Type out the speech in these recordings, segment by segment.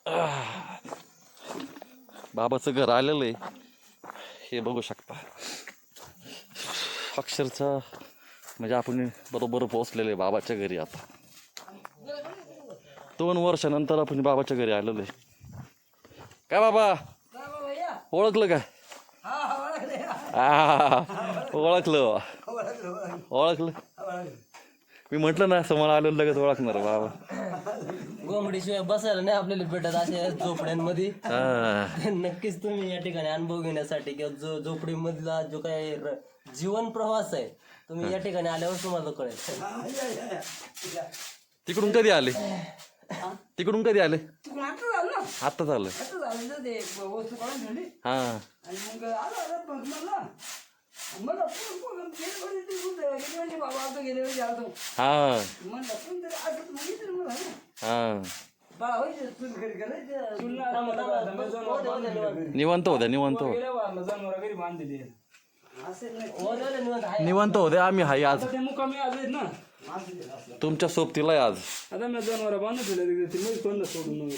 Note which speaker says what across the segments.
Speaker 1: बाबाचं घर आलेलं आहे, हे बघू शकता. अक्षरशः म्हणजे आपण बरोबर पोहोचलेलं आहे बाबाच्या घरी. आता 2 वर्षानंतर आपण बाबाच्या घरी आलेलो आहे. काय बाबा ओळखलं काय? ओळखलं ओळखलं. मी म्हटलं ना समोर आलो लगेच ओळखणार बाबा.
Speaker 2: गोंगडीशिवाय बसायला नाही आपल्याला भेटत अशा झोपड्यांमध्ये. नक्कीच तुम्ही या ठिकाणी अनुभव घेण्यासाठी किंवा जो झोपडीमधला जो काही जीवन प्रवास आहे तुम्ही या ठिकाणी आल्यावर तुम्हाला कळेल.
Speaker 1: तिकडून कधी आले? तिकडून कधी आले? आता झालं. हा निवांत होत्या निवांत निवांत होते. आम्ही हाय आज तुमच्या सोबतीला आहे आज.
Speaker 3: आता मी जनावर बांधून ठेवले सोडून.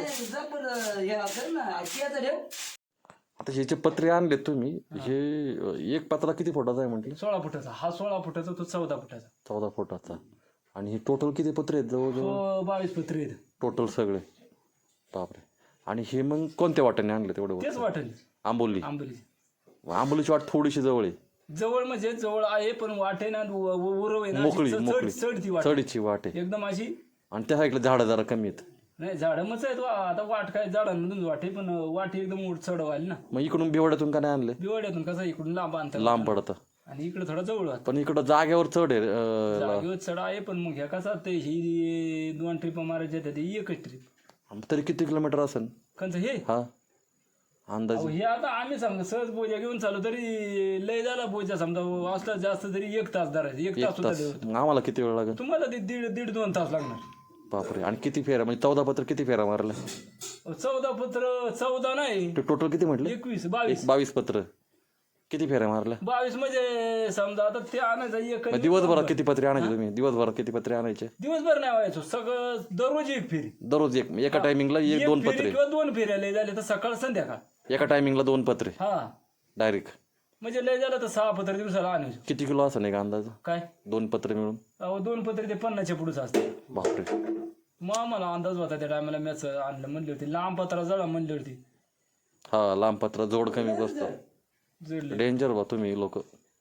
Speaker 1: आता ह्याचे पत्रे आणले तुम्ही. हे एक पत्रा किती फुटाचा आहे म्हटलं?
Speaker 3: 16 फुटाचा. हा 16 फुटाचा, तो 14 फुटाचा.
Speaker 1: 14 फुटाचा. आणि हे टोटल किती पत्रे आहेत? जवळजवळ
Speaker 3: 22 पत्रे आहेत
Speaker 1: टोटल सगळे. बापरे. आणि हे मग कोणत्या वाट्याने आणले तेवढे?
Speaker 3: तेच वाटेल
Speaker 1: आंबोली. आंबोलीची वाट थोडीशी जवळ आहे.
Speaker 3: जवळ म्हणजे जवळ आहे पण वाटे ना उरव आहे ना
Speaker 1: मोकळी मोकळी
Speaker 3: चढती वाट,
Speaker 1: चढीची वाट आहे
Speaker 3: एकदम अशी.
Speaker 1: आणि त्या साईडला झाडं जरा कमी आहेत.
Speaker 3: नाही झाडं मच आहेत. आता वाट काय झाडांमधून वाटे पण वाटे एकदम चढवायला ना.
Speaker 1: मग इकडून बिवड्यातून का नाही आणले?
Speaker 3: बिवाड्यातून कसं इकडून लांब अंतर
Speaker 1: लांब पडतं
Speaker 3: आणि इकडे थोडा जवळ होता.
Speaker 1: पण इकडं जागेवर चढ आहे.
Speaker 3: जागेवर चढ आहे पण मग ह्या कसा ते ही 2 ट्रिप मारायच्या ते एकच ट्रिप.
Speaker 1: तरी किती किलोमीटर असेल
Speaker 3: कंच हे?
Speaker 1: हा अंदाज?
Speaker 3: हे आता आम्ही समजा सहज बोजा घेऊन चालू तरी लय झाला बोजा समजा असला जास्त तरी 1 तास धरायचं. 1 तास होता.
Speaker 1: मग आम्हाला किती वेळ लागेल?
Speaker 3: तुम्हाला ते दीड 2 तास लागणार.
Speaker 1: बापरे. आणि किती फेऱ्या म्हणजे 14 पत्र किती फेऱ्या मारल्या?
Speaker 3: 14 पत्र 14 नाही
Speaker 1: टोटल किती म्हटलं?
Speaker 3: 21 22
Speaker 1: 22 पत्र किती फेऱ्या मारल्या?
Speaker 3: 22 म्हणजे समजा आता ते आणायचं एक
Speaker 1: दिवसभरात किती पत्रे आणायचे तुम्ही? दिवसभरात किती पत्रे आणायचे?
Speaker 3: दिवसभर नाही व्हायचो सगळं दररोज एक फेरी.
Speaker 1: दररोज एका टायमिंगला 1-2 पत्रे
Speaker 3: किंवा 2 फेऱ्या लय झाले तर सकाळ संध्याकाळ.
Speaker 1: एका टायमिंगला 2 पत्रे
Speaker 3: हा
Speaker 1: डायरेक्ट.
Speaker 3: म्हणजे लय झालं तर 6 पत्र दिवसाला आणायचो.
Speaker 1: किती किलो असं नाही का अंदाज?
Speaker 3: काय
Speaker 1: 2 पत्रे मिळून?
Speaker 3: 2 पत्रे ते 50च्या पुढेच असते.
Speaker 1: बापरे.
Speaker 3: मग आम्हाला अंदाज होता त्या टायमाला मॅच आणलं म्हणली होती. लांब पत्रा जळा म्हणली होती.
Speaker 1: हा लांब पत्र जोड कमी बसतो.
Speaker 3: जळलं
Speaker 1: डेंजर बा तुम्ही लोक.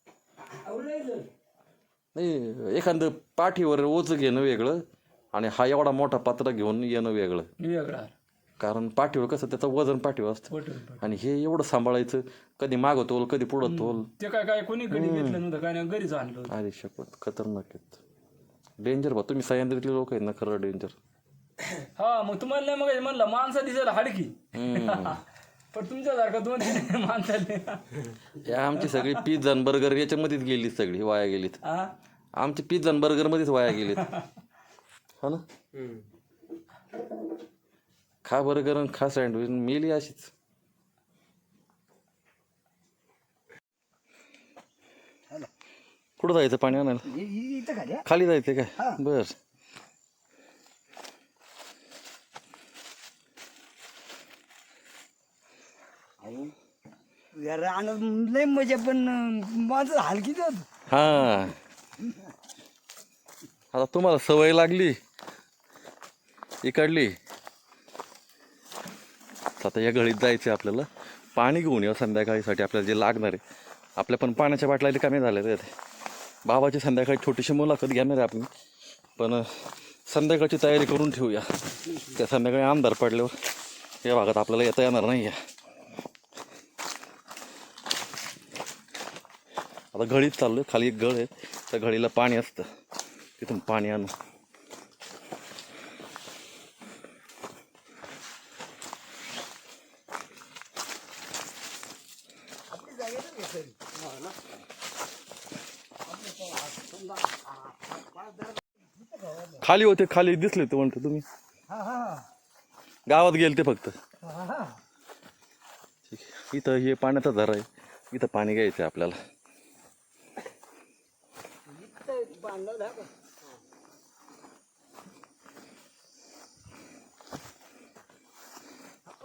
Speaker 1: नाही एखादं पाठीवर ओझ घेणं वेगळं आणि हा एवढा मोठा पत्रा घेऊन येणं वेगळं.
Speaker 3: वेगळा.
Speaker 1: कारण पाठीवर कसं त्याचं वजन पाठीवर असतं आणि हे एवढं सांभाळायचं. कधी मागं तोल कधी पुढं तोल.
Speaker 3: ते काय कोणी घरी घेतलं नव्हतं काय नाही घरीच आणलं.
Speaker 1: अरे शपथ खतरनाक आहेत. डेंजर बा तुम्ही सह्याद्रीतले लोक आहेत ना. खरं डेंजर.
Speaker 3: हा मग तुम्हाला नाही मग म्हणलं माणसा दिसायला हाडकी पण तुमच्यासारखा 2-3 माणसाले
Speaker 1: या आमची सगळी पिझ्झा बर्गर याच्यामध्येच गेलीत सगळी वाया गेलीत. आमची पिझ्झा बर्गर मध्येच वाया गेलीत. हा ना. खा बर्गर आणि खा सँडविच मेली अशीच. कुठं जायचं पाणी आणायला? खाली जायचं काय? बर.
Speaker 4: लय मजा पण माझं हलकीच होत.
Speaker 1: हा आता तुम्हाला सवय लागली इकडली. आता या गळीत जायचं आपल्याला. पाणी घेऊन या संध्याकाळीसाठी आपल्याला जे लागणार आहे. आपल्या पण पाण्याच्या बाटल्या कमी झाल्या आहेत. बाबाची संध्याकाळी छोटीशी मुलाखत घेणार आहे आपण. पण संध्याकाळची तयारी करून ठेवूया. त्या संध्याकाळी अंधार पडल्यावर या भागात आपल्याला येता येणार नाही आहे. आता घळीत चाललोय. खाली एक गळ आहे त्या घळीला पाणी असतं. तिथून पाणी आणू. खाली होते खाली दिसले ते म्हणतो तुम्ही. गावात गेले ते फक्त. इथं हे पाण्याचा झरा आहे. इथं पाणी घ्यायचं आहे आपल्याला.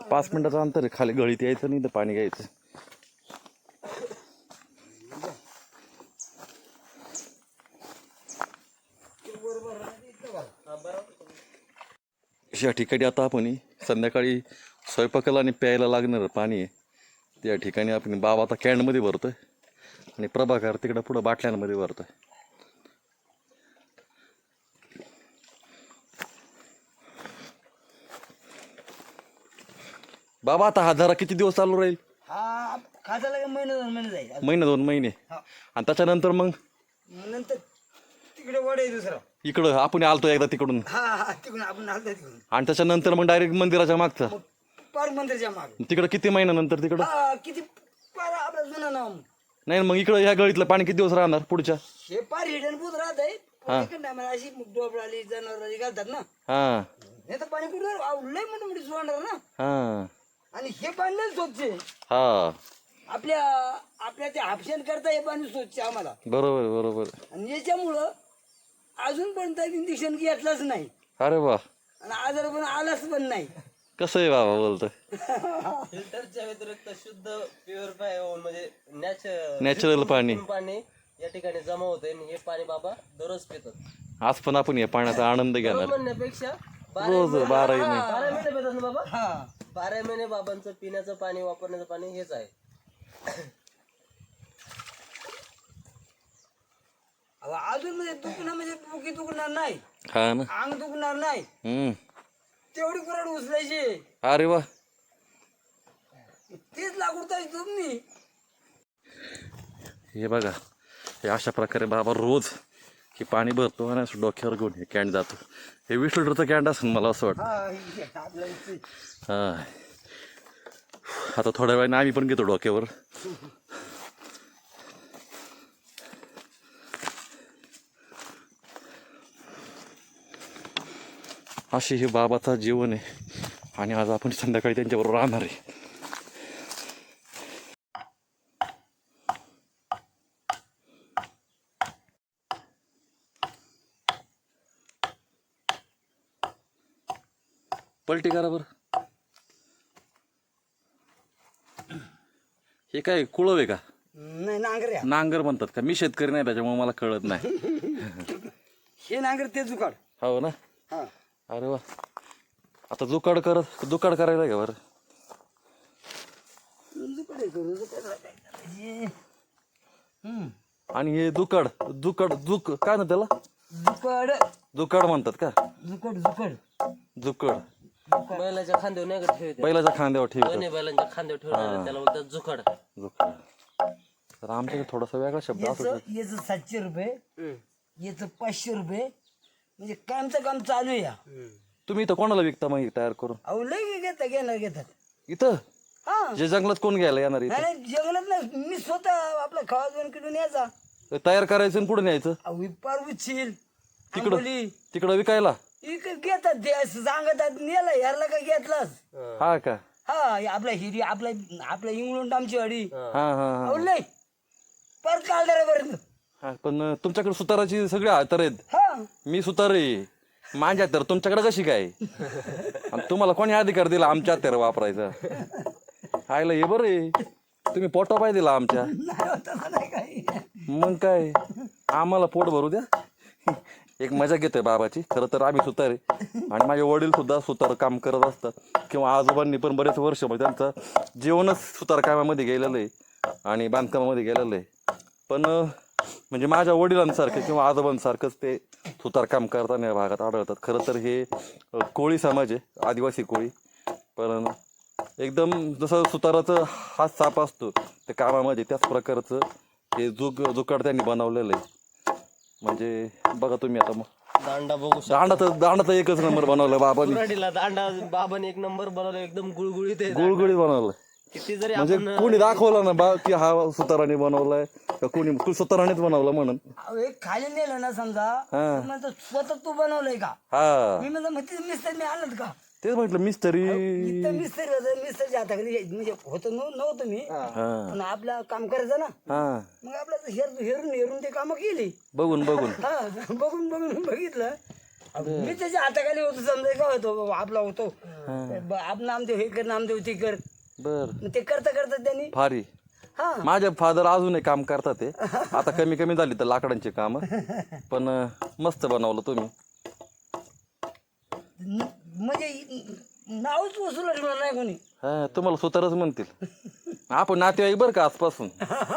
Speaker 1: 5 मिनिटाचं अंतर आहे, खाली गळीत यायचं नाही तर पाणी घ्यायचं. या ठिकाणी आता आपण संध्याकाळी स्वयंपाकाला आणि प्यायला लागणारं पाणी आहे त्या ठिकाणी आपण बाबा आता कॅनमध्ये भरतोय आणि प्रभाकर तिकडं पुढं बाटल्यांमध्ये भरतोय. बाबा आता हा जरा किती दिवस चालू राहील?
Speaker 4: हा खायला काय महिना 2 महिने जाईल.
Speaker 1: महिना 2 महिने.
Speaker 4: हा.
Speaker 1: आणि त्याच्यानंतर मग
Speaker 4: नंतर तिकडे वड आहे दुसरा.
Speaker 1: इकडं आपण आलतो एकदा तिकडून
Speaker 4: हा तिकडून आपण आलतो तिकडून
Speaker 1: आणि त्याच्यानंतर मग डायरेक्ट मंदिराच्या मागचा
Speaker 4: पार मंदिरच्या मागे.
Speaker 1: तिकडं किती महिन्यानंतर तिकडं?
Speaker 4: हा किती पार आपला जुना नाव.
Speaker 1: नाही मग इकडं ह्या गळीतलं पाणी किती दिवस राहणार पुढच्या?
Speaker 4: हे पार हिडन बुत राहत आहे. अशी डोबळाली जनावराली घालतात ना.
Speaker 1: हा
Speaker 4: हे तर पाणी कुठे लय मोठी मोठी सोडणार ना.
Speaker 1: हा
Speaker 4: आणि हे पाणी लय स्वच्छ आहे.
Speaker 1: हा
Speaker 4: आपल्या ते हापशन करता हे पाणी स्वच्छ आहे आम्हाला.
Speaker 1: बरोबर बरोबर.
Speaker 4: आणि याच्यामुळं अजूनपर्यंत इंजेक्शन घेतलंच नाही
Speaker 1: अरे वा,
Speaker 4: आणि आजार पण आलाच पण नाही.
Speaker 1: कसं आहे बाबा बोलतोय?
Speaker 2: फिल्टरच्या व्यतिरिक्त शुद्ध प्युरिफाय म्हणजे
Speaker 1: नॅचरल पाणी
Speaker 2: पाणी या ठिकाणी जमा होते आणि हे पाणी बाबा दररोज पितात.
Speaker 1: आज पण आपण या पाण्याचा आनंद घेणार
Speaker 2: म्हणण्यापेक्षा
Speaker 1: रोज 12 महिने.
Speaker 2: 12 महिने पितात ना बाबा.
Speaker 4: हा
Speaker 2: 12 महिने बाबांचं पिण्याचं पाणी वापरण्याचं पाणी हेच आहे.
Speaker 4: अजून म्हणजे दुखणं म्हणजे डोकी दुखणार नाही,
Speaker 1: हा ना.
Speaker 4: अंग दुखणार नाही, तेवढी कुराड उचलायची.
Speaker 1: अरे वा,
Speaker 4: तेच लागवडता तुम्ही.
Speaker 1: हे बघा, हे अशा प्रकारे बाबा रोज हे पाणी भरतो आणि असं डोक्यावर घेऊन हे कॅन्ड जातो. हे 20 लिटरचं कॅन्ड असेल मला असं वाटतं. हा आता थोड्या वेळाने आम्ही पण घेतो डोक्यावर. अशी हे बाबाचा जीवन आहे आणि आज आपण संध्याकाळी त्यांच्याबरोबर राहणार आहे. पलटी करा बरं. हे काय कुळव आहे का?
Speaker 4: नाही नांगर.
Speaker 1: नांगर म्हणतात का? मी शेतकरी नाही त्याच्यामुळे मला कळत नाही.
Speaker 4: हे नांगर ते जुकाड.
Speaker 1: हो ना.
Speaker 4: हा
Speaker 1: अरे वा, आता जुकाड करायला का बरं?
Speaker 4: जुकाड आहे तो, जुकाड आहे.
Speaker 1: आणि हे जुकाड काय ना त्याला
Speaker 4: जुकाड
Speaker 1: जुकाड म्हणतात का? जुकड
Speaker 2: बैलाच्या खांद्यावर नाही का ठेवते.
Speaker 1: बैलाच्या खांद्यावर ठेवतात.
Speaker 2: बैलांच्या खांद्यावर ठेवणार त्याला बोलतात जुकाड.
Speaker 1: तर आमच्याकडे थोडासा वेगळा शब्द असतो.
Speaker 4: याचं 700 रुपये, याचं 500 रुपये. म्हणजे कामचं काम चालू आहे.
Speaker 1: तुम्ही इथं कोणाला विकता मग तयार करून?
Speaker 4: अहो लय घेतात
Speaker 1: इथं
Speaker 4: हा.
Speaker 1: जे जंगलात कोण घ्यायला येणार इथं?
Speaker 4: नाही जंगलात नाही, मी स्वतः आपला खावा 2 किलो न्यायचा.
Speaker 1: तयार करायचं आणि पुढे न्यायचं
Speaker 4: अहो पार उचील
Speaker 1: तिकडं विकायला.
Speaker 4: घेतात ते असं सांगतात नेला ह्याला का घेतलास.
Speaker 1: हा का?
Speaker 4: हा आपला हिरी आपला इंग्लंड आमची वाडी.
Speaker 1: हा हा
Speaker 4: अहो लय परत कालदारापर्यंत.
Speaker 1: हा. पण तुमच्याकडे सुताराची सगळी हातर आहेत.
Speaker 4: हा
Speaker 1: मी सुतार आहे, माझ्या तर तुमच्याकडे कशी काय? आणि तुम्हाला कोणी अधिकार दिला आमच्या हत्यार वापरायचा? आयला हे बरं आहे, तुम्ही पोटा पाय दिला आमच्या.
Speaker 4: नाही काही.
Speaker 1: मग काय, आम्हाला पोट भरू द्या. एक मजा घेतोय बाबाची. खरं तर आम्ही सुतार आहे आणि माझे वडील सुद्धा सुतार काम करत असतात किंवा आजोबांनी पण बरेच वर्ष म्हणजे त्यांचं जीवनच सुतार कामामध्ये गेलेलं आहे आणि बांधकामामध्ये गेलेलं आहे. पण म्हणजे माझ्या वडिलांसारखं किंवा आजोबांसारखंच ते सुतारकाम करताना या भागात आढळतात. खरं तर हे कोळी समाज आहे, आदिवासी कोळी. पण एकदम जसं सुताराचं हात साप असतो त्या कामामध्ये, त्याच प्रकारचं हे जुकाड त्यांनी बनवलेलं आहे. म्हणजे बघा तुम्ही आता मग
Speaker 2: दांडा बघू
Speaker 1: दांडा तर एकच नंबर बनवला बाबांनी.
Speaker 2: शकतो. दांडा बाबाने 1 नंबर बनवला, एकदम गुळगुळीत आहे.
Speaker 1: गुळगुळीत बनवलं.
Speaker 2: किती जरी
Speaker 1: म्हणजे कोणी दाखवलं ना बा की हा सुताराने बनवलाय का कोणी सुतारानेच बनवलं म्हणून.
Speaker 4: अहो एक खाली नेलं ना समजा, म्हणतो स्वतः तू बनवलंय का?
Speaker 1: हा
Speaker 4: मी म्हणतो मिस्त्री मी आणत का?
Speaker 1: तेच म्हटलं मिस्त्री.
Speaker 4: इथं मिस्त्री होतं, मिस्त्रीच्या हाताखाली म्हणजे होतं नव्हतं मी, पण आपलं काम करायचं ना.
Speaker 1: हा
Speaker 4: मग आपलं हेरून ते कामं केली.
Speaker 1: बघून
Speaker 4: हा बघून बघितलं. मी त्याच्या हाताखाली होतो समजा का होतो आपला होतो आप नामदेव हे कर नामदेव ते कर
Speaker 1: बर
Speaker 4: मग ते करता करता त्यांनी
Speaker 1: भारी.
Speaker 4: हा
Speaker 1: माझे फादर अजूनही काम करतात ते, आता कमी कमी झाली तर लाकडांची कामं, पण मस्त बनवलं तुम्ही.
Speaker 4: म्हणजे नावच वसूल नाही कोणी.
Speaker 1: हा तुम्हाला सुतारच म्हणतील. आपण नातेवाईक बरं का आजपासून.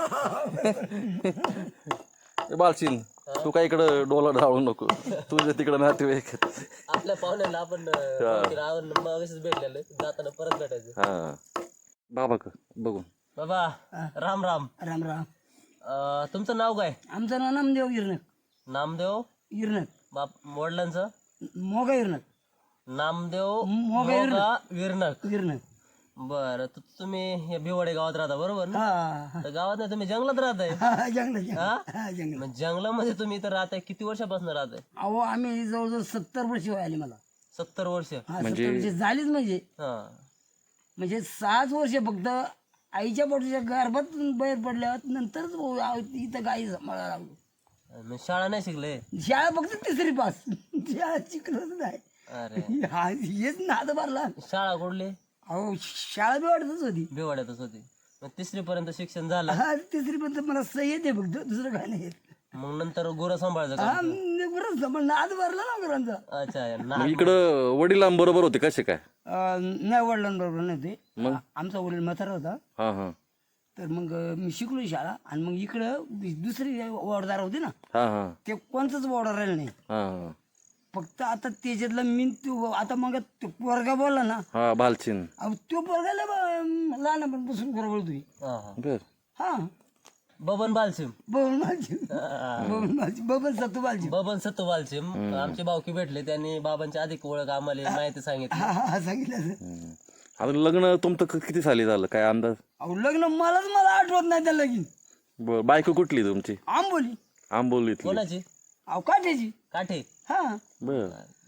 Speaker 1: बालशीन तू काय इकडं डोला ढाळू नको, तुझ्या तिकडं नातेवाईक आहेत.
Speaker 2: आपल्या पाहुण्याला आपण मगाशीच भेटलेलं, जाताना परत भेटायचं.
Speaker 1: हा बाबा का बघून
Speaker 2: बाबा राम राम.
Speaker 4: राम राम.
Speaker 2: तुमचं नाव काय?
Speaker 4: आमचं नाव नामदेव गिरणक.
Speaker 2: नामदेव
Speaker 4: गिरणक
Speaker 2: बाप वडिलांचं
Speaker 4: मोगा गिरणक.
Speaker 2: नामदेव
Speaker 4: मोगा
Speaker 2: मोगा विरणक.
Speaker 4: गिरणक.
Speaker 2: बरं तुम्ही या भिवाडे गावात राहता बरोबर ना?
Speaker 4: हा
Speaker 2: तर गावात नाही, तुम्ही जंगलात राहताय.
Speaker 4: हा जंगल
Speaker 2: हा?
Speaker 4: जंगल.
Speaker 2: मग जंगलामध्ये तुम्ही इथं राहताय, किती वर्षापासून राहताय?
Speaker 4: अहो आम्ही जवळजवळ 70 वर्ष आली मला.
Speaker 2: 70 वर्ष.
Speaker 4: हा 70 वर्ष झालीच म्हणजे
Speaker 2: हा.
Speaker 4: म्हणजे 6 वर्ष फक्त आईच्या पोटाच्या गर्भातून बाहेर पडल्यावर नंतरच इथं गाई सांभाळायला लागलो.
Speaker 2: मग शाळा नाही शिकले?
Speaker 4: शाळा फक्त 3री पास. शाळा शिकलोच नाही.
Speaker 2: अरे
Speaker 4: हा हेच नाद भरला.
Speaker 2: शाळा कुठली?
Speaker 4: अहो शाळा बी वाटतच होती.
Speaker 2: भिवाड्यातच होती. मग 3री पर्यंत शिक्षण झालं.
Speaker 4: हा 3री पर्यंत मला सही येते फक्त, दुसरं काय नाही येत.
Speaker 2: मग नंतर गुरं सांभाळायचं का?
Speaker 4: हा बरंच पण नाद भरला ना गुरांचा.
Speaker 2: अच्छा
Speaker 1: मग इकडं वडिलांबरोबर होते कसे काय?
Speaker 4: नाही वडिलांबरोबर नाही ते.
Speaker 1: मग
Speaker 4: आमचा वडील म्हातारा होता.
Speaker 1: हा हा
Speaker 4: तर मग मी शिकलो शाळा आणि मग इकडं दुसरी वॉर्डदार होती ना,
Speaker 1: हा हा
Speaker 4: ते कोणतंच वॉर्डर राहिलं नाही.
Speaker 1: हा हा
Speaker 4: फक्त आता त्याच्यातलं मी आता मग तो पोरगा बोलला ना,
Speaker 1: हा बालचिन
Speaker 4: अहो तो पोरगाला लहानपणापासून बरोबर तुम्ही.
Speaker 1: बर
Speaker 4: हा
Speaker 2: बबन बालसिम.
Speaker 4: बबन माझी बबन माझी बबन सत्तू बालजी.
Speaker 2: बबन सत्तू बालसिम आमचे भावकी भेटले, त्यांनी बाबांची अधिक ओळख आम्हाला माहिती सांगितली.
Speaker 4: हा हा सांगितलं असं.
Speaker 1: आता लग्न तुमचं किती साली झालं काय अंदाज?
Speaker 4: अहो लग्न मला आठवत नाही त्या लगीन.
Speaker 1: बर बायको कुठली तुमची?
Speaker 4: आंबोली.
Speaker 1: आंबोलीतली.
Speaker 2: कोणाची?
Speaker 4: अहो काठ्याची.
Speaker 2: काठे.
Speaker 4: हा
Speaker 1: बर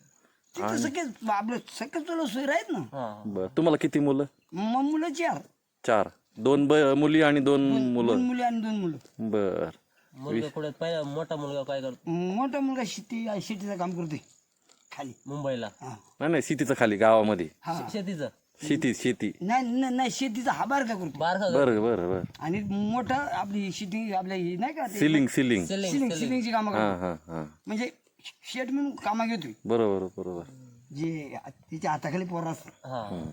Speaker 4: तिथं सगळेच आपलं सगळं तुला सोय आहेत ना.
Speaker 2: हा.
Speaker 1: बर तुम्हाला किती मुलं?
Speaker 4: मग मुलं 4.
Speaker 1: 4. 2 मुली आणि 2 मुलं.
Speaker 4: 2 मुली आणि 2 मुलं.
Speaker 1: बर
Speaker 2: मुलगा कुठे पहिला मोठा मुलगा काय करतो?
Speaker 4: मोठा मुलगा शेतीचं काम करतोय खाली.
Speaker 2: मुंबईला.
Speaker 4: हा
Speaker 1: नाही सिटीचं खाली गावामध्ये.
Speaker 2: शेतीचं.
Speaker 1: शेती
Speaker 4: नाही शेतीचा हा बारका करतो.
Speaker 2: बारका
Speaker 1: बरं बरं बरं.
Speaker 4: आणि मोठा आपली शेती आपल्या ही नाही का
Speaker 1: सिलिंग
Speaker 4: सिलिंगची कामं
Speaker 1: हा
Speaker 4: करतो.
Speaker 1: हा हा
Speaker 4: म्हणजे शेट म्हणून कामा घेतोय
Speaker 1: बरोबर बरोबर.
Speaker 4: जे तिच्या हाताखाली पोर असतात.
Speaker 2: हा.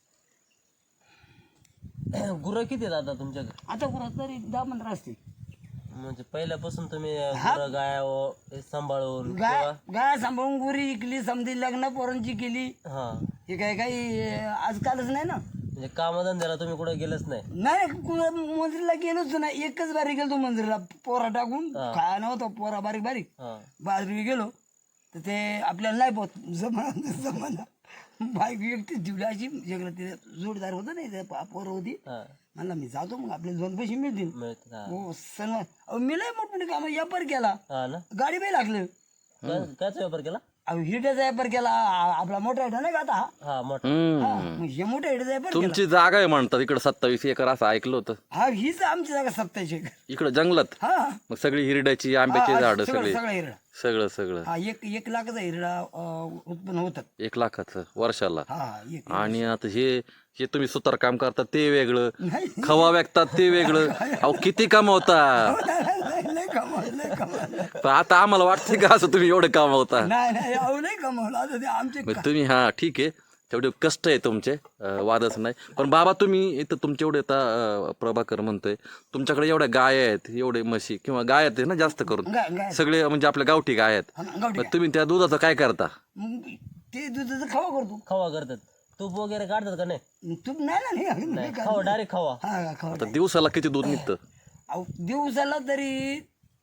Speaker 2: गुरं किती आहेत आता तुमच्याकडे?
Speaker 4: आता कुणात तरी 10-15 असतील.
Speaker 2: म्हणजे पहिल्यापासून तुम्ही गुरं गाया सांभाळून
Speaker 4: गाय सांभाळून गुरी इकली, समधी लग्न पोरांची केली.
Speaker 2: हा.
Speaker 4: हे काही आजकालच नाही ना.
Speaker 2: म्हणजे कामधंद्याला तुम्ही कुठे गेलच नाही?
Speaker 4: नाही मंदिरला गेलोच नाही. एकच बारीक गेलो मंदिरला पोरा टाकून खाया नव्हतं. पोरा बारीक बारीक
Speaker 2: हा.
Speaker 4: बाजरी गेलो तर ते आपल्याला नाही पोत जमाना बाईक एकटी ठेवली अशी जगलं. ते जोडदार होतं नाही ते पोरं होती.
Speaker 2: हा.
Speaker 4: म्हणला मी जातो मग आपल्याला 2 पैसे मिळतील.
Speaker 2: मिळतं. हा.
Speaker 4: हो सण मी लय मोठमोठी कामं व्यापार केला.
Speaker 2: हा ना.
Speaker 4: गाडी बाई लागलं.
Speaker 2: कायच व्यापार केला?
Speaker 4: अहो हिट्याचा व्यापार केला. आपला मोठा हिटा नाही का आता
Speaker 2: हा मोठा.
Speaker 4: मग हे मोठ्या हिट्याचा व्यापार केला.
Speaker 1: तुमची जागा आहे म्हणतात इकडं 27 एकर असं ऐकलं होतं.
Speaker 4: हा हीच आमची जागा 27 एकर.
Speaker 1: इकडं जंगलात
Speaker 4: हा
Speaker 1: मग सगळी हिरड्याची आंब्याची झाडं सगळी
Speaker 4: सगळा हिरडा.
Speaker 1: सगळं
Speaker 4: हा 1 लाखाचा हिरडा उत्पन्न होतात.
Speaker 1: 1 लाखाचं वर्षाला.
Speaker 4: हा एक
Speaker 1: आणि आता हे तुम्ही सुतार काम करतात ते वेगळं,
Speaker 4: नाही
Speaker 1: खवा विकतात ते वेगळं. अहो किती कमावता.
Speaker 4: लय कमावलं.
Speaker 1: पण आता आम्हाला वाटतंय का असं तुम्ही एवढं कमावता?
Speaker 4: नाही अहो लय कमावलं. आता ते आमचे
Speaker 1: मग तुम्ही हा ठीक आहे तेवढे कष्ट आहे तुमचे, वादच नाही. पण बाबा तुम्ही इथं तुमचे एवढे आता प्रभाकर म्हणतोय तुमच्याकडे एवढ्या गाय आहेत, एवढे म्हशी किंवा गाय आहेत ना जास्त करून
Speaker 4: गाय
Speaker 1: सगळे म्हणजे आपल्या गावठी गाय आहेत.
Speaker 4: गावठी
Speaker 1: मग तुम्ही त्या दुधाचं काय करता?
Speaker 4: मग ते दुधाचा खवा करतो.
Speaker 2: खवा करतात. तूप वगैरे काढतात का नाही?
Speaker 4: तूप नाही
Speaker 2: खवा डायरेक्ट खवा.
Speaker 4: हा खवा.
Speaker 1: आता दिवसाला किती दूध निघतं?
Speaker 4: अहो दिवसाला तरी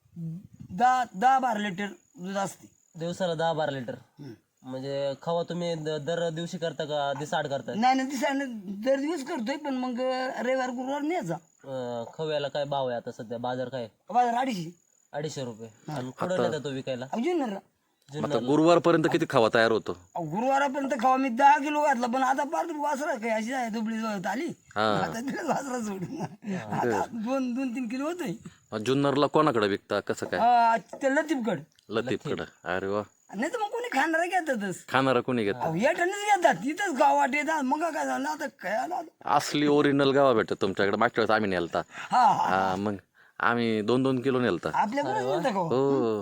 Speaker 4: 10-12 लिटर दूध असते.
Speaker 2: दिवसाला 10-12 लिटर. म्हणजे खवा तुम्ही दर दिवशी करता का दिसाड करता?
Speaker 4: नाही दिवसाने दर दिवस करतोय पण मग रविवार गुरुवार न्यायचा.
Speaker 2: खव्याला काय भाव आहे आता सध्या? बाजार काय?
Speaker 4: बाजार 250.
Speaker 2: 250 रुपये. आणि कुठं नेता तो विकायला?
Speaker 4: अजून ना
Speaker 1: आता गुरुवारपर्यंत किती खवा तयार होतो?
Speaker 4: गुरुवारापर्यंत खावा मी 10 किलो घातला पण आता पार वासरा काय अशी आहे दुबळी जवळ आली. आता तिला वासरा सोडून आता 2-3 किलो होतोय.
Speaker 1: जुन्नरला कोणाकडे विकता कसं काय?
Speaker 4: ते लतीफगड.
Speaker 1: लतीफकडं. अरे वा.
Speaker 4: नाही तर मग कोणी खाणारे घेतातच
Speaker 1: खाणारा कोणी घेत
Speaker 4: अहो येटानेच घेतात तिथंच गावात येतात मग काय झालं आता काय आलं आता?
Speaker 1: असली ओरिजिनल गावा भेटत तुमच्याकडे. मागच्या वेळेस आम्ही नेलता.
Speaker 4: हा हा
Speaker 1: हा मग आम्ही 2-2 किलो नेलता.
Speaker 4: आपल्याकडे मिळतं का हो?
Speaker 1: हो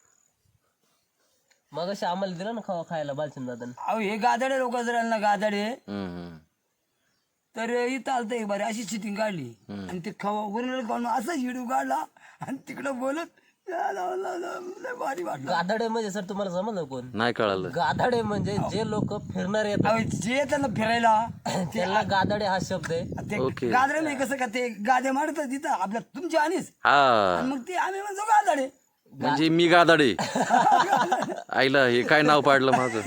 Speaker 2: मग अशी आम्हाला दिलं ना खायला बालचंद दादा.
Speaker 4: अहो हे गादाडे लोक जर आले ना गादाडे
Speaker 1: हम्म.
Speaker 4: तर इथं आलतं एक बारी अशी सिटिंग काढली आणि ते खवा वरून काढून असा व्हिडिओ काढला आणि तिकडं बोलत लय भारी वाटलं.
Speaker 2: गाधाडे म्हणजे सर तुम्हाला समजलं कोण?
Speaker 1: नाही कळालं.
Speaker 2: गाधाडे म्हणजे जे लोक फिरणार येतात
Speaker 4: अहो जे येतात ना फिरायला
Speaker 2: त्याला गाधाडे हा शब्द आहे.
Speaker 4: ते
Speaker 1: ओके.
Speaker 4: गादरे नाही कसं का ते गादे मारतात तिथं आपल्या तुमच्या आणीच
Speaker 1: हा
Speaker 4: आणि मग ते आम्ही म्हणतो गादाडे
Speaker 1: म्हणजे मी गादाडे. आईला हे काय नाव पाडलं माझं.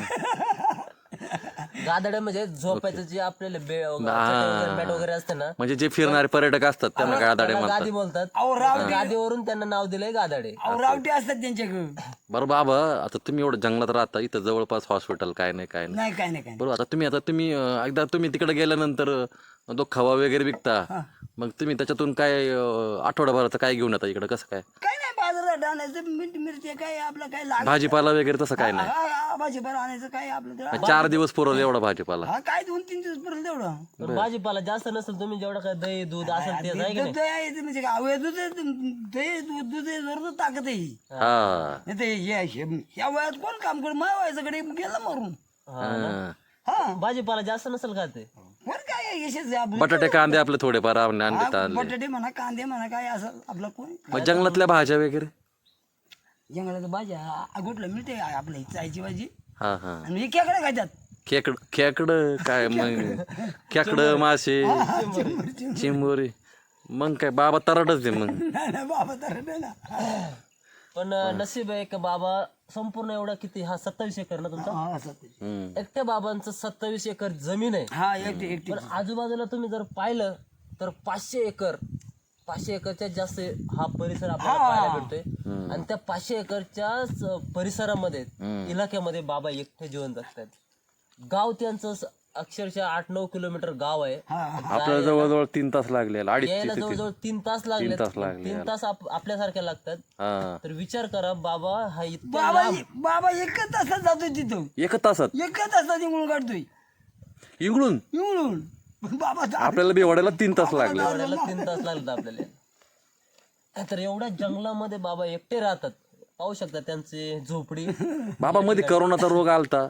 Speaker 2: गाधाडे म्हणजे झोपायचं जे आपल्याला मॅट वगैरे असते ना
Speaker 1: म्हणजे जे फिरणारे पर्यटक असतात त्यांना गादाडे
Speaker 2: त्याला
Speaker 1: म्हणतात.
Speaker 2: गादी बोलतात.
Speaker 4: अहो रावटी
Speaker 2: गादीवरून त्यांना नाव दिलंय गाधाडे.
Speaker 4: अहो रावटी असतात त्यांच्याकडे
Speaker 1: बरं बाबा, आता तुम्ही एवढं जंगलात राहता, इथं जवळपास हॉस्पिटल काय नाही काय नाही.
Speaker 4: नाही काय नाही काय नाही.
Speaker 1: बरोबर. आता तुम्ही एकदा तुम्ही तिकडे गेल्यानंतर तो खवा वगैरे विकता, मग तुम्ही त्याच्यातून काय आठवडाभराचं काय घेऊन येता इकडे, कसं काय?
Speaker 4: काय नाही बाजारात आणायचं मीठ मिरची काय आपलं काय लागत
Speaker 1: भाजीपाला वगैरे तसं काय नाही.
Speaker 4: भाजीपाला आणायचं काय आपलं ते.
Speaker 1: 4 दिवस पुरवलं एवढा भाजीपाला.
Speaker 4: हा काय 2-3 दिवस पर्यंत तेवढं
Speaker 2: पण भाजीपाला जास्त नसेल तुम्ही जेवढं काय दही दूध असेल ते आहे की नाही?
Speaker 4: दूध आहे ते म्हणजे काय अवय दूध आहे, दूध आहे जरूर ताकद आहे ही.
Speaker 1: हा
Speaker 4: नाही ते ह्या वयात कोण काम करू माझ्या वयाच्याकडे गेलं मरून
Speaker 1: हा.
Speaker 4: हा
Speaker 2: भाजीपाला जास्त नसेल का ते?
Speaker 4: कोण काय आहे, यशच आपलं
Speaker 1: बटाटे कांदे आपले थोडेफार आणले आणले.
Speaker 4: बटाटे म्हणा कांदे म्हणा काय असं आपलं कोण
Speaker 1: मग जंगलातल्या भाज्या वगैरे.
Speaker 4: जंगलात भाज्या कुठलं मिळते आपल्या चायची भाजी
Speaker 1: हा हा.
Speaker 4: आणि हे खेकडे खातात
Speaker 1: खेकड काय मग खेकड मासे चिंबोरी. मग काय बाबा तराटच दे मग.
Speaker 4: नाही बाबा तर नाही ना
Speaker 2: पण नशीब आहे का बाबा संपूर्ण एवढा किती हा 27 एकर ना तुमचा?
Speaker 4: हा असं ते.
Speaker 1: हम्म.
Speaker 2: एकट्या बाबांचं 27 एकर जमीन आहे.
Speaker 4: हा एकटी
Speaker 2: पण आजूबाजूला तुम्ही जर पाहिलं तर 500 एकरच्या जास्त हा परिसर आपल्याला पाहायला भेटतोय. आणि त्या 500 एकरच्या परिसरामध्ये इलाक्यामध्ये बाबा एकटे जीवन जगतात. गाव त्यांचं अक्षरशः 8-9 किलोमीटर गाव आहे.
Speaker 1: आपल्याला जवळजवळ 3 तास लागले.
Speaker 2: यायला जवळजवळ 3 तास लागले. 3 तास आपल्यासारख्या लागतात.
Speaker 1: हा.
Speaker 2: तर विचार करा बाबा हा इतका
Speaker 4: बाबा एकच तासात जातोय तिथं
Speaker 1: 1 तासात
Speaker 4: एकच तासात निघून काढतोय
Speaker 1: इकडून
Speaker 4: निघून बाबा
Speaker 1: आपल्याला बेवाड्याला 3 तास लागले.
Speaker 2: 3 तास लागतात आपल्याला. तर एवढ्या जंगलामध्ये बाबा एकटे राहतात. पाहू शकता त्यांची झोपडी.
Speaker 1: बाबा मध्ये करोनाचा रोग आलता.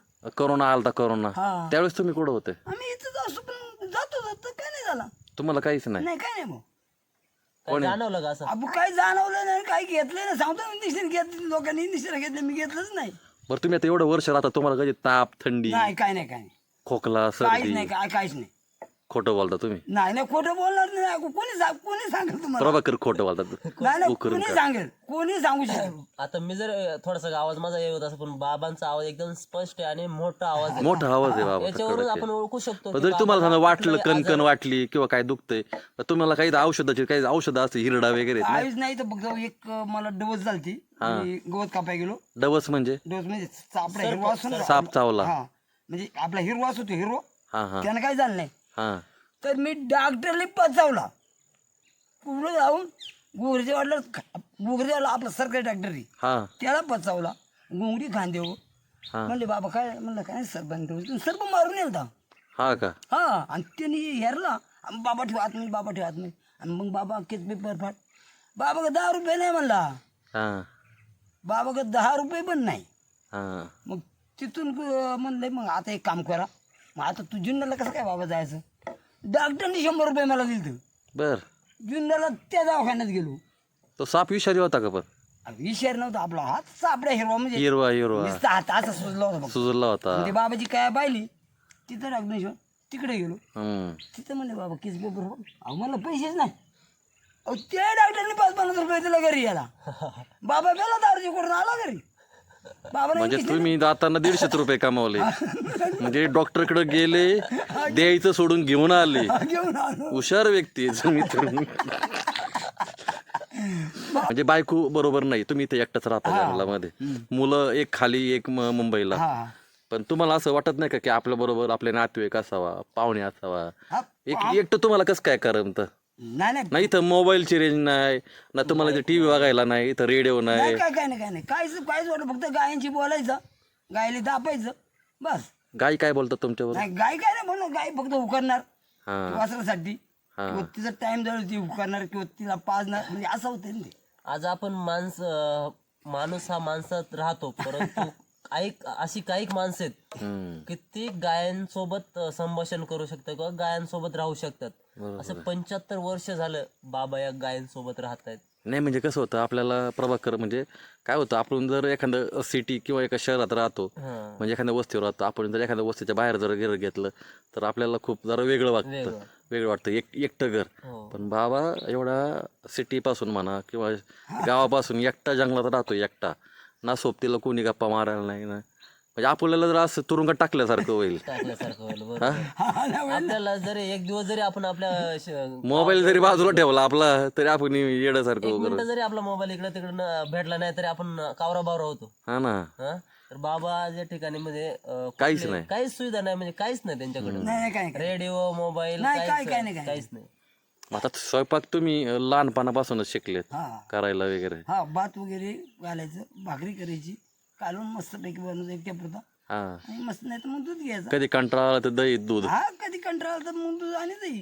Speaker 1: करोना त्यावेळेस तुम्ही कुठं होते?
Speaker 4: आम्ही इथं असतो पण जातो काय नाही झाला
Speaker 1: तुम्हाला काहीच नाही.
Speaker 4: नाही काय नाही मग
Speaker 2: काय जाणवलं का असं?
Speaker 4: आपण काही जाणवलं नाही काही घेतलं नाही सांगतो इंजेक्शन घेतलं लोकांनी इंजेक्शन घेतलं मी घेतलंच नाही
Speaker 1: बरं तुम्ही आता एवढं वर्ष राहता, तुम्हाला कधी ताप थंडी
Speaker 4: नाही काय नाही काय नाही
Speaker 1: खोकला
Speaker 4: काहीच
Speaker 1: सर्दी
Speaker 4: नाही काहीच नाही
Speaker 1: खोटं बोलता तुम्ही?
Speaker 4: नाही खोटं बोलणार नाही कोणी सांगेल तुम्हाला
Speaker 1: प्रभाकर खोटं बोलतात.
Speaker 4: नाही कोणी सांगेल कोणी सांगू शकेल
Speaker 2: आता मी जर थोडासा आवाज माझा येत असं पण बाबांचा आवाज एकदम स्पष्ट आहे आणि मोठा आवाज आहे.
Speaker 1: मोठा आवाज आहे बाबा.
Speaker 2: याच्यावरून आपण ओळखू शकतो
Speaker 1: पण
Speaker 2: की
Speaker 1: जरी तुम्हाला समजा
Speaker 2: बाबा
Speaker 1: वाटलं कणकण वाटली किंवा काय दुखतंय तर तुम्हाला काही औषधं असते हिरडा वगैरे
Speaker 4: काहीच नाही तर फक्त एक मला डोस झालती गवत कापाय गेलो
Speaker 1: डवस म्हणजे
Speaker 4: डोस म्हणजे आपला हिरवा असतो ना
Speaker 1: साप चावला.
Speaker 4: हा म्हणजे आपला हिरवा असतो हिरो
Speaker 1: हा हा
Speaker 4: त्यानं काही झालं नाही
Speaker 1: हा
Speaker 4: तर मी डॉक्टरला पचावला पुढे जाऊन गुगरेवाला आपला सरकारी डॉक्टर
Speaker 1: हा
Speaker 4: त्याला पचावला गुंगडी खांदे हो
Speaker 1: हा.
Speaker 4: म्हणले बाबा काय म्हणलं काय सरबंद सर्व मारून येईल
Speaker 1: हा का?
Speaker 4: हा आणि त्यांनी हेरला बाबा ठेव आतमध्ये बाबा ठेव आतमध्ये आणि मग बाबा किती पेपर फाट बाबा का 10 रुपये नाही म्हणला
Speaker 1: हा
Speaker 4: बाबा का 10 रुपये पण नाही
Speaker 1: हा
Speaker 4: मग तिथून म्हणलं मग आता एक काम करा मग आता तू जुन्नरला कसं काय बाबा जायचं डॉक्टरनी 100 रुपये मला दिलं
Speaker 1: बर.
Speaker 4: जुन्नरला त्या दवाखान्यात गेलो
Speaker 1: तो साप विषारी होता का? पण
Speaker 4: विषार नव्हता आपला हात सापड्या हिरवा म्हणजे
Speaker 1: हिरवा
Speaker 4: नुसता हात असा सुजला होता बघ.
Speaker 1: सुजला होता.
Speaker 4: ते बाबाची काय पाहिली तिथं डॉक्टर तिकडे गेलो
Speaker 1: हम्म.
Speaker 4: तिथं म्हणले बाबा किस पेपर अहो मला पैसेच नाही अहो त्या डॉक्टरने 5-50 रुपये दिला घरी याला बाबा गेला दारूची करून आला घरी बाबा
Speaker 1: म्हणजे तुम्ही जाताना 150 रुपये कमावले म्हणजे डॉक्टरकडे गेले द्यायचं सोडून घेऊन आले.
Speaker 4: घेऊन आलो
Speaker 1: हुशार व्यक्ती आहे तुम्ही तर. म्हणजे बायको बरोबर नाही, तुम्ही इथे एकटाच राहता जंगलामध्ये, मुलं एक खाली एक मुंबईला.
Speaker 4: हा
Speaker 1: पण तुम्हाला असं वाटत नाही का की आपल्या बरोबर आपले नातेवाईक असावा, पाहुणे असावा?
Speaker 4: हा,
Speaker 1: एकटं तुम्हाला कसं काय करमत?
Speaker 4: नाही
Speaker 1: नाही इथं मोबाईलची रेंज नाही ना, तुम्हाला टीव्ही बघायला नाही, इथं रेडिओ नाही.
Speaker 4: काय नाही काहीच वाटत फक्त गायांची बोलायचं गायले दापायचं बस.
Speaker 1: गाय काय बोलतात तुमच्यावर?
Speaker 4: नाही गाय काय नाही म्हणलं, गाय फक्त उकरणार
Speaker 1: हा
Speaker 4: वासरासाठी, किंवा तिचा टाइम झाला ती उकरणार किंवा तिला पाजणार, म्हणजे असं होतं ना ते.
Speaker 2: आज आपण माणूस हा माणसात राहतो, परंतु अशी काही माणसं आहेत की ती गायांसोबत संभाषण करू शकतात किंवा गायांसोबत राहू शकतात. असं 75 वर्ष झालं बाबा या गायांसोबत राहत आहेत.
Speaker 1: नाही म्हणजे कसं होतं आपल्याला प्रभाकर, म्हणजे काय होतं, आपण जर एखादं सिटी किंवा एका शहरात राहतो, म्हणजे एखाद्या वस्तीवर राहतो, आपण जर एखाद्या वस्तीच्या बाहेर जर घर घेतलं तर आपल्याला खूप जरा वेगळं वाटतं, एकटं घर. पण बाबा एवढा सिटीपासून म्हणा किंवा गावापासून एकटा जंगलात राहतो, एकटा, ना सोबतीला कोणी गप्पा मारायला नाही ना, म्हणजे आपल्याला जर असं तुरुंगात टाकल्यासारखं होईल.
Speaker 2: टाकल्यासारखं होईल बरोबर. आपल्याला जरी एक दिवस जरी आपण आपल्या
Speaker 1: मोबाईल जरी बाजूला ठेवला आपला तरी आपण येण्यासारखं वगैरे.
Speaker 2: मिनिटं जरी आपला मोबाईल इकडे तिकडे भेटला नाही तरी आपण कावरा बावरा होतो.
Speaker 1: हा ना.
Speaker 2: तर बाबा या ठिकाणी म्हणजे
Speaker 1: काहीच नाही,
Speaker 2: काहीच सुविधा नाही, म्हणजे काहीच नाही त्यांच्याकडे.
Speaker 4: नाही काय काय
Speaker 2: रेडिओ मोबाईल
Speaker 4: नाही, काय नाही.
Speaker 2: काहीच नाही.
Speaker 1: आता स्वयंपाक तुम्ही लहानपणापासूनच शिकलेत
Speaker 4: हा
Speaker 1: करायला वगैरे?
Speaker 4: हा, भात वगैरे घालायचं, भाकरी करायची, कालवून मस्तपैकी बनवून एकट्या पुरता,
Speaker 1: हा.
Speaker 4: आणि मस्त नाही तर मग दूध घ्यायचं.
Speaker 1: कधी कंटाळा आला तर दही दूध.
Speaker 4: हा, कधी कंटाळा तर मग दूध आणि दही.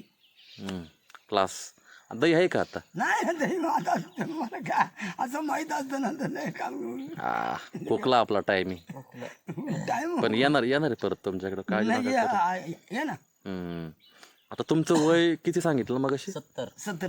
Speaker 1: क्लास. दही आहे का आता?
Speaker 4: नाही ना दही, आता मला काय असं माहित असतं ना तर नाही काम
Speaker 1: खोकला आपला टायमिंग.
Speaker 4: टाइम
Speaker 1: पण येणार आहे परत तुमच्याकडे, काळजी
Speaker 4: नाही
Speaker 1: नका करू.
Speaker 4: ये ना.
Speaker 1: आता तुमचं वय किती सांगितलं मग अशी?
Speaker 2: 70.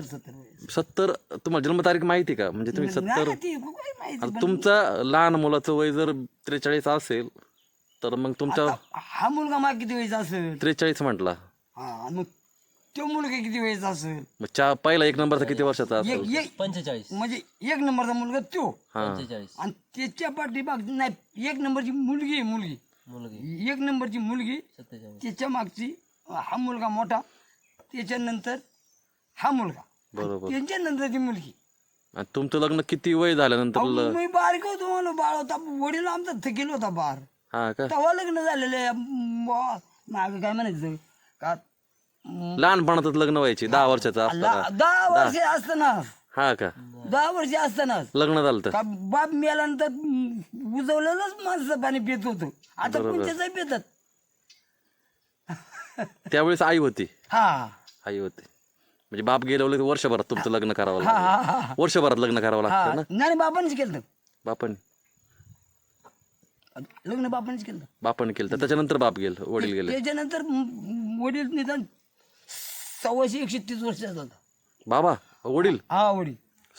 Speaker 1: 70. तुम्हाला जन्मतारीख माहिती का? म्हणजे तुम्ही 70.
Speaker 4: नाही ती काय माहिती.
Speaker 1: आता तुमचं लहान मुलाचं वय जर 43 असेल तर मग तुमच्या
Speaker 4: हा मुलगा मला किती वेळचा असेल?
Speaker 1: 43 म्हटला.
Speaker 4: हा, मग तो मुलगा किती वेळचा असेल?
Speaker 1: मग पहिला 1 नंबरचा किती वर्षाचा असेल?
Speaker 2: 45.
Speaker 4: म्हणजे 1 नंबरचा मुलगा तो,
Speaker 2: 45
Speaker 4: आणि त्याच्या पाठीमाग नाही 1 नंबरची मुलगी
Speaker 2: मुलगी
Speaker 4: 1 नंबरची मुलगी,
Speaker 2: 47.
Speaker 4: त्याच्या मागची हा मुलगा मोठा, त्याच्यानंतर हा मुलगा,
Speaker 1: बरोबर.
Speaker 4: त्यांच्यानंतरची मुलगी.
Speaker 1: आणि तुमचं लग्न किती वय झाल्यानंतर?
Speaker 4: मी बारीक होतो, मला बाळ होता, वडील आमचा थकील होता बार,
Speaker 1: हा का?
Speaker 4: तेव्हा लग्न झालेलं. मागे काय म्हणायचं का,
Speaker 1: लहानपणातच लग्न व्हायची 10 वर्षाचा असताना?
Speaker 4: 10 वर्ष असताना,
Speaker 1: हा का?
Speaker 4: 10 वर्ष असताना
Speaker 1: लग्न झालं तर?
Speaker 4: का बाप मेल्यानंतर उजवलेलंच माणसं पाणी पित होतो. आता कोणत्याच पितात.
Speaker 1: त्यावेळेस आई होती?
Speaker 4: हा
Speaker 1: आई होती. म्हणजे बाप गेल्यावर वर्षभरात तुमचं लग्न करावं लागलं? वर्षभरात लग्न करावं लागतं ना?
Speaker 4: नाही, बापानेच केलं
Speaker 1: बापाने
Speaker 4: लग्न, बापानेच केलं.
Speaker 1: बापाने केलं तर त्याच्यानंतर बाप गेले, वडील गेले.
Speaker 4: त्याच्यानंतर वडील निदान 130 वर्षाचा होता.
Speaker 1: बाबा वडील
Speaker 4: हा, वडील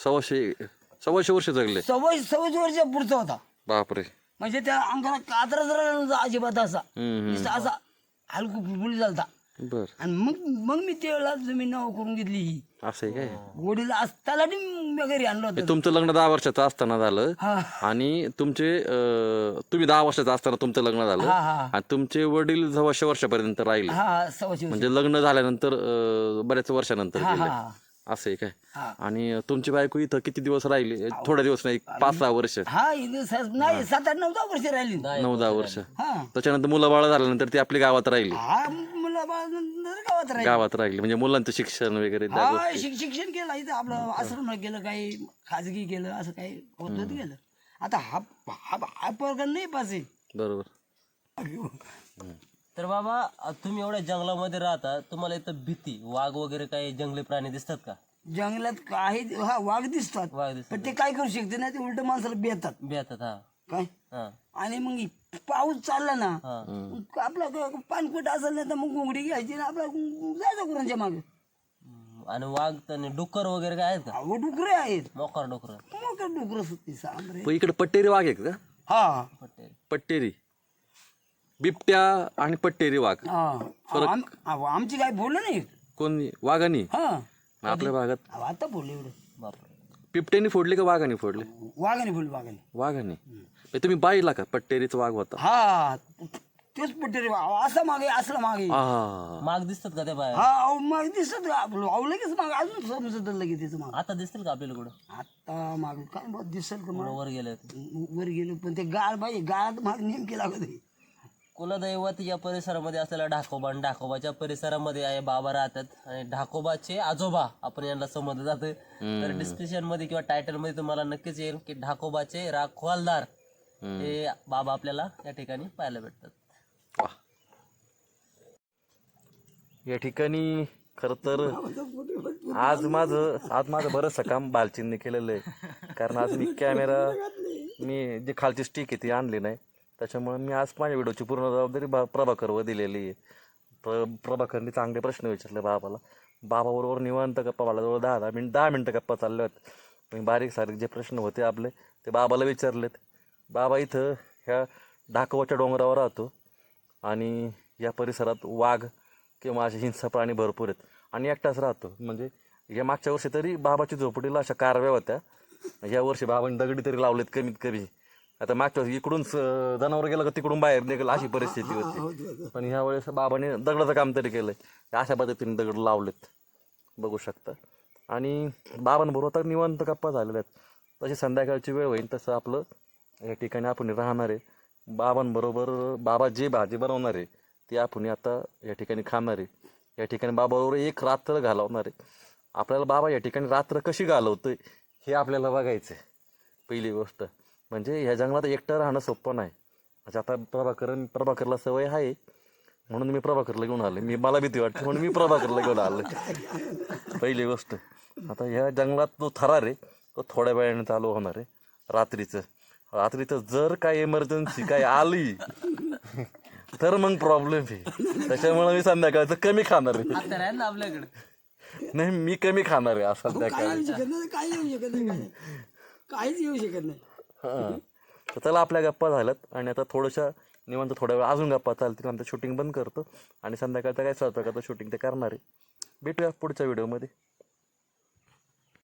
Speaker 1: 125 वर्ष जगले.
Speaker 4: 26 वर्ष पुढचा होता.
Speaker 1: बापरे.
Speaker 4: म्हणजे त्या अंगाला कातरा जरा नव्हता अजिबात, असा नुसता असा हलकू फुलफुली झालता.
Speaker 1: बर.
Speaker 4: आणि मग मी त्यावेळेला जमीन नाव करून घेतली ही.
Speaker 1: असं आहे काय?
Speaker 4: वडील असताना घरी आणलं होतं.
Speaker 1: तुमचं लग्न 10 वर्षाचं असताना झालं,
Speaker 4: हा
Speaker 1: आणि तुम्ही 10 वर्षाचं असताना तुमचं लग्न झालं,
Speaker 4: हा हा
Speaker 1: आणि तुमचे वडील 100 वर्षापर्यंत राहिले.
Speaker 4: हा 26 वर्ष.
Speaker 1: म्हणजे लग्न झाल्यानंतर बऱ्याच वर्षानंतर
Speaker 4: हा
Speaker 1: गेले.
Speaker 4: हा
Speaker 1: असं आहे काय?
Speaker 4: हा.
Speaker 1: आणि तुमची बायको इथं किती दिवस राहिली? थोडे दिवस नाही, 5-6 वर्ष?
Speaker 4: हा, इथे नाही 7-8-9 वर्ष राहिली.
Speaker 1: 9-10 वर्ष.
Speaker 4: हा
Speaker 1: त्याच्यानंतर मुलं बाळ झाल्यानंतर ती आपली गावात राहिली.
Speaker 4: हा, मुलं बाळानंतर गावात राहिली.
Speaker 1: गावात राहिली म्हणजे मुलांचं शिक्षण वगैरे त्या
Speaker 4: हा,
Speaker 1: गोष्टी.
Speaker 4: शिक्षण केलं इथं, आपलं आश्रम केलं, काही खाजगी केलं, असं काही होत गेलं. आता हा पोरगा नाही पासे.
Speaker 1: बरोबर.
Speaker 2: तर बाबा तुम्ही एवढ्या जंगलामध्ये राहता, तुम्हाला इथं भीती वाघ वगैरे काही जंगली प्राणी दिसतात का?
Speaker 4: जंगलात काही वाघ दिसतात,
Speaker 2: वाघ दिसतात
Speaker 4: पण ते काय करू शकते ना, ते उलट माणसाला बेतात
Speaker 2: भेटतात. हा
Speaker 4: काय.
Speaker 2: हा
Speaker 4: आणि मग पाऊस चालला ना,
Speaker 2: हा
Speaker 4: मग आपला पाणपट असेल ना तर मग घोंगडी घ्यायची ना, आपला जायचं गुरांच्या मागे.
Speaker 2: आणि वाघ आणि डुक्कर वगैरे काय आहेत का?
Speaker 4: अहो, डुकरे आहेत,
Speaker 2: मोकार डुकर
Speaker 4: मग काय डुकर सुट्टी सांग.
Speaker 1: पण इकडे पट्टेरी वाघ आहे का?
Speaker 4: हा
Speaker 2: पटेल.
Speaker 1: पट्टेरी बिबट्या आणि पट्टेरी वाघ.
Speaker 4: आमची काय बोललं नाही.
Speaker 1: कोणी? वाघानी?
Speaker 4: हा,
Speaker 1: आपल्या भागात
Speaker 4: अहो, आता बोलले एवढं.
Speaker 2: बापरे.
Speaker 1: बिबट्यानी फोडले का वाघाने फोडले?
Speaker 4: वाघाने बोल, वाघाने.
Speaker 1: वाघाने. तुम्ही पाहिला का पट्टेरीचा वाघ होता?
Speaker 4: हा, तेच पट्टेरी असा मागे, असला मागे.
Speaker 1: हा.
Speaker 2: माग दिसतात का त्या बाहेर?
Speaker 4: हा, अहो मागे दिसत आपलं, लगेच मागे अजून समजत लगेच त्याचं माग.
Speaker 2: आता दिसतील का आपल्याला कुठं?
Speaker 4: आता मागे काय बघ दिसेल का मला?
Speaker 2: वर गेले होते.
Speaker 4: वर गेलो, पण ते गाळ पाहिजे, गाळात माग नेमकी लागत आहे.
Speaker 2: कुलदैवत या परिसरामध्ये असलेला ढाकोबा आणि ढाकोबाच्या परिसरामध्ये आहे बाबा राहतात, आणि ढाकोबाचे आजोबा आपण यांना समजलं जातं. तर डिस्क्रिप्शन मध्ये किंवा टायटल मध्ये तुम्हाला नक्कीच येईल की ढाकोबाचे राखवालदार हे बाबा आपल्याला या ठिकाणी पाहायला भेटतात.
Speaker 1: वा. या ठिकाणी खरं तर आज माझं बरंचसं काम बालचिंनी केलेलं आहे. कारण आज मी जे खालची स्टिक आहे ती आणली नाही, त्याच्यामुळे मी आज माझ्या व्हिडिओची पूर्ण जबाबदारी प्रभाकरवर दिलेली आहे. प्रभाकरने चांगले प्रश्न विचारले बाबाला. बाबाबरोबर निवांत गप्पा मला जवळ 10 मिनटं गप्पा चालल्या होत्या. मी बारीक सारीक जे प्रश्न होते आपले ते बाबाला विचारलेत. बाबा इथं ह्या ढाकवाच्या डोंगरावर राहतो आणि या परिसरात वाघ किंवा असे हिंस्र प्राणी भरपूर आहेत आणि एकटाच राहतो. म्हणजे या मागच्या वर्षी तरी बाबाची झोपडीला अशा कारव्या होत्या. या वर्षी बाबांनी दगडी तरी लावलेत कमीत कमी. आता मागच्या वर्षी इकडून जनावर गेलं का तिकडून बाहेर निघालं अशी परिस्थिती होती. पण ह्या वेळेस बाबाने दगडाचं काम तरी केलंय. अशा पद्धतीने दगड लावलेत बघू शकता. आणि बाबांबरोबर तर निवांत गप्पा झालेल्या आहेत. तशी संध्याकाळची वेळ होईल तसं आपलं या ठिकाणी आपण राहणार आहे. बाबांबरोबर बाबा जे भाजी बनवणार आहे ती आपण आता या ठिकाणी खाणार आहे. या ठिकाणी बाबाबरोबर एक रात्र घालवणार आहे. आपल्याला बाबा या ठिकाणी रात्र कशी घालवतोय हे आपल्याला बघायचं आहे. पहिली गोष्ट म्हणजे ह्या जंगलात एकटं राहणं सोपं नाही. म्हणजे आता प्रभाकरला सवय आहे म्हणून मी प्रभाकरला घेऊन आलो. मला भीती वाटते म्हणून मी प्रभाकरला घेऊन आलो. पहिली गोष्ट आता ह्या जंगलात जो थरार आहे तो थोड्या वेळाने चालू होणार आहे. रात्रीचं जर काय इमर्जन्सी काय आली तर मग प्रॉब्लेम आहे. त्याच्यामुळे मी संध्याकाळचं कमी खाणार आहे.
Speaker 2: आता आहे ना आपल्याकडे.
Speaker 1: नाही मी कमी खाणार आहे आज संध्याकाळी.
Speaker 4: काही येऊ शकत नाही, काही येऊ शकत नाही, काहीच येऊ शकत नाही.
Speaker 1: हां तर चला आपल्या गप्पा झाल्यात आणि आता थोड्याशा निवांत थोड्या वेळ अजून गप्पा चालतील. नंतर शूटिंग बंद करतो आणि संध्याकाळचं काय स्वयंपाकाचं शूटिंग ते करणार आहे. भेटूया पुढच्या व्हिडिओमध्ये.